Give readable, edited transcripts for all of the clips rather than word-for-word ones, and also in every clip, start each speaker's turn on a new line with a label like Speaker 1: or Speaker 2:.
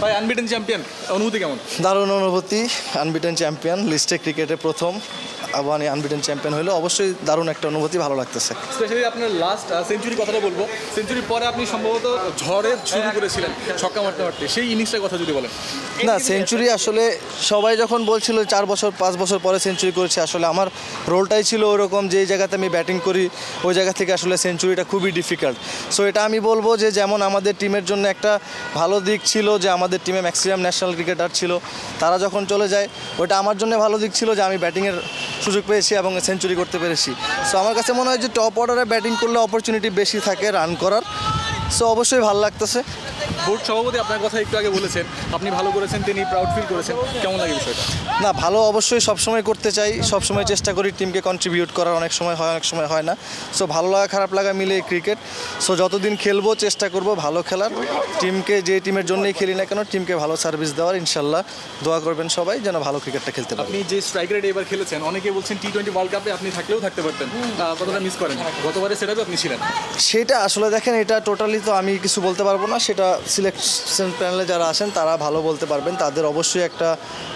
Speaker 1: ভাই unbeaten champion, অনুভূতি কেমন?
Speaker 2: দারুণ অনুভূতি। আনবিটেন চ্যাম্পিয়ন, লিস্টে ক্রিকেটে প্রথম আবাহনী আনবিটেন চ্যাম্পিয়ন হলো, অবশ্যই দারুণ একটা অনুভূতি, ভালো লাগতেছে।
Speaker 1: স্পেশালি আপনার লাস্ট সেঞ্চুরি কথাটা বলবো। সেঞ্চুরির পরে আপনি সম্ভবত ঝড়ে শুরু করেছিলেন ছক্কা মারতে মারতে, সেই ইনিংসটার কথা যদি বলেন।
Speaker 2: না, সেঞ্চুরি আসলে সবাই যখন বলছিল 4 বছর 5 বছর পরে সেঞ্চুরি করেছে, আসলে আমার রোলটাই ছিল ওরকম, যেই জায়গাতে আমি ব্যাটিং করি ওই জায়গা থেকে আসলে সেঞ্চুরিটা খুবই ডিফিকাল্ট। সো এটা আমি বলবো যে যেমন আমাদের টিমের জন্য একটা ভালো দিক ছিল যে আমাদের টিমে ম্যাক্সিমাম ন্যাশনাল ক্রিকেটার ছিল, তারা যখন চলে যায় ওটা আমার জন্য ভালো দিক ছিল যে আমি ব্যাটিংয়ের সুযোগ পেয়েছি এবং সেঞ্চুরি করতে পেরেছি। সো আমার কাছে মনে হয় যে টপ অর্ডারে ব্যাটিং করলে অপরচুনিটি বেশি থাকে রান করার। সো অবশ্যই ভালো লাগতেছে।
Speaker 1: বোর্ড সভাপতি আপনার কথা একটু আগে বলেছেন, আপনি ভালো করেছেন, তিনি প্রাউড ফিল করেছেন, কেমন লাগে বিষয়টা?
Speaker 2: না, ভালো অবশ্যই সবসময় করতে চাই, সবসময় চেষ্টা করি টিমকে কন্ট্রিবিউট করার, অনেক সময় হয় অনেক সময় হয় না। সো ভালো লাগা খারাপ লাগা মিলে ক্রিকেট। সো যতদিন খেলবো চেষ্টা করব ভালো খেলার, টিমকে যে টিমের জন্যই খেলি না কেন টিমকে ভালো সার্ভিস দেওয়ার। ইনশাল্লাহ দোয়া করবেন সবাই যেন ভালো ক্রিকেটটা খেলতে পারে।
Speaker 1: আপনি যে স্ট্রাইক রেট এবার খেলেছেন, অনেকে বলছেন T20 ওয়ার্ল্ড কাপে আপনি থাকলেও থাকতে পারতেন, কতটা মিস করেন? গতবারে সেটাতে আপনি ছিলেন।
Speaker 2: সেটা আসলে দেখেন, এটা টোটালি তো আমি কিছু বলতে পারবো না, সেটা সিলেকশন প্যানেলে যারা আছেন তারা ভালো বলতে পারবেন। তাদের অবশ্যই একটা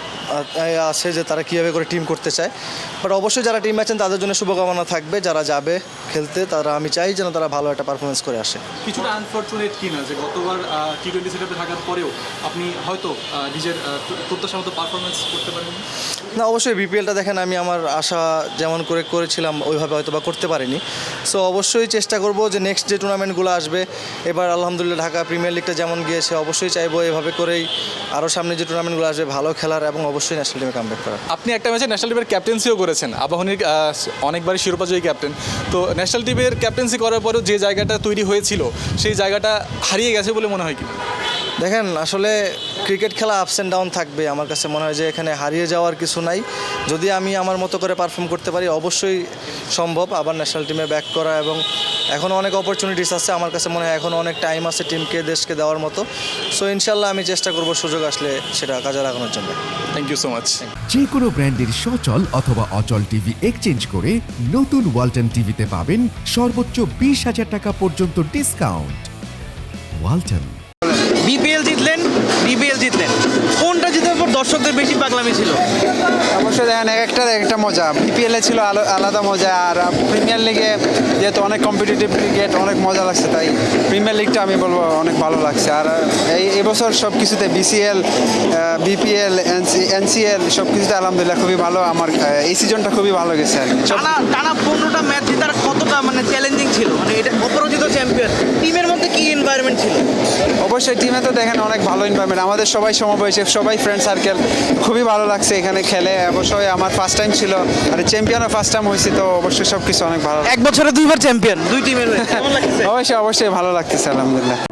Speaker 2: আছে যে তারা কীভাবে করে টিম করতে চায়। বাট অবশ্যই যারা টিম আছেন তাদের জন্য শুভকামনা থাকবে, যারা যাবে খেলতে তারা, আমি চাই যেন তারা ভালো একটা পারফরমেন্স করে আসে।
Speaker 1: কিছুটা আনফর্চুনেট কিনা যে গতবার T20 সেটআপে থাকার পরেও আপনি হয়তো নিজের প্রত্যাশা মতো পারফরমেন্স করতে পারেন
Speaker 2: না, অবশ্যই বিপিএলটা দেখেন আমি আমার আশা যেমন করে করেছিলাম ওইভাবে হয়তো বা করতে পারিনি। সো অবশ্যই চেষ্টা করব যে নেক্সট যে টুর্নামেন্টগুলো আসবে, এবার আলহামদুলিল্লাহ ঢাকা প্রিমিয়ার লিগটা যেমন গিয়েছে, অবশ্যই চাইবো এভাবে করেই আরও সামনে যে টুর্নামেন্টগুলো আসবে ভালো খেলার এবং অবশ্যই ন্যাশনাল টিমে কামব্যাক করার।
Speaker 1: আপনি একটা ম্যাচে ন্যাশনাল টিমের ক্যাপ্টেন্সিও করেছেন, আবাহনীর অনেকবারই শিরোপাজয়ী ক্যাপ্টেন। তো ন্যাশনাল টিমের ক্যাপ্টেন্সি করার পরেও যে জায়গাটা তৈরি হয়েছিল সেই জায়গাটা হারিয়ে গেছে বলে মনে হয় কি?
Speaker 2: দেখেন, আসলে ক্রিকেট খেলা আপস অ্যান্ড ডাউন থাকবে। আমার কাছে মনে হয় যে এখানে হারিয়ে যাওয়ার কিছু নাই। যদি আমি আমার মতো করে পারফর্ম করতে পারি অবশ্যই সম্ভব আবার ন্যাশনাল টিমে ব্যাক করা, এবং এখনও অনেক অপরচুনিটিস আছে। আমার কাছে মনে হয় এখনও অনেক টাইম আছে টিমকে, দেশকে দেওয়ার মতো। সো ইনশাল্লাহ আমি চেষ্টা করব সুযোগ আসলে সেটা কাজে লাগানোর জন্য।
Speaker 1: Thank you so much.
Speaker 3: যে কোনো ব্র্যান্ডের সচল অথবা অচল টিভি এক্সচেঞ্জ করে নতুন ওয়ালটন টিভিতে পাবেন সর্বোচ্চ 20,000 টাকা পর্যন্ত ডিসকাউন্ট। ওয়ালটন।
Speaker 4: বিপিএল জিতলেন, কোনটা জিতার পর দর্শকদের বেশি পাগলামি ছিল?
Speaker 5: অবশ্যই দেখেন, একটা মজা। বিপিএলে ছিল আলাদা মজা, আর প্রিমিয়ার লিগে যেহেতু অনেক কম্পিটিটিভ ক্রিকেট, অনেক মজা লাগছে, তাই প্রিমিয়ার লিগটা আমি বলবো অনেক ভালো লাগছে। আর এবছর সব কিছুতে বিসিএল, বিপিএল, এনসিএল সব কিছুতে আলহামদুলিল্লাহ খুবই ভালো। আমার এই সিজনটা খুবই ভালো গেছে আর কি।
Speaker 4: টানা 15টা ম্যাচ জেতার কতটা চ্যালেঞ্জিং ছিল? এটা অপরাজিত চ্যাম্পিয়ন, টিমের মধ্যে কি এনভায়রনমেন্ট ছিল?
Speaker 5: অবশ্যই টিমে তো দেখেন অনেক ভালো এনভায়রনমেন্ট, আমাদের সবাই সমবয়সী, সবাই ফ্রেন্ড সার্কেল, খুবই ভালো লাগছে এখানে খেলে। অবশ্যই আমার ফার্স্ট টাইম ছিল, আর চ্যাম্পিয়নও ফার্স্ট টাইম হয়েছে, তো অবশ্যই সব কিছু অনেক ভালো।
Speaker 4: এক বছরে 2বার চ্যাম্পিয়ন, দুই টিমের। কেমন লাগছে?
Speaker 5: অবশ্যই ভালো লাগতেছে আলহামদুলিল্লাহ।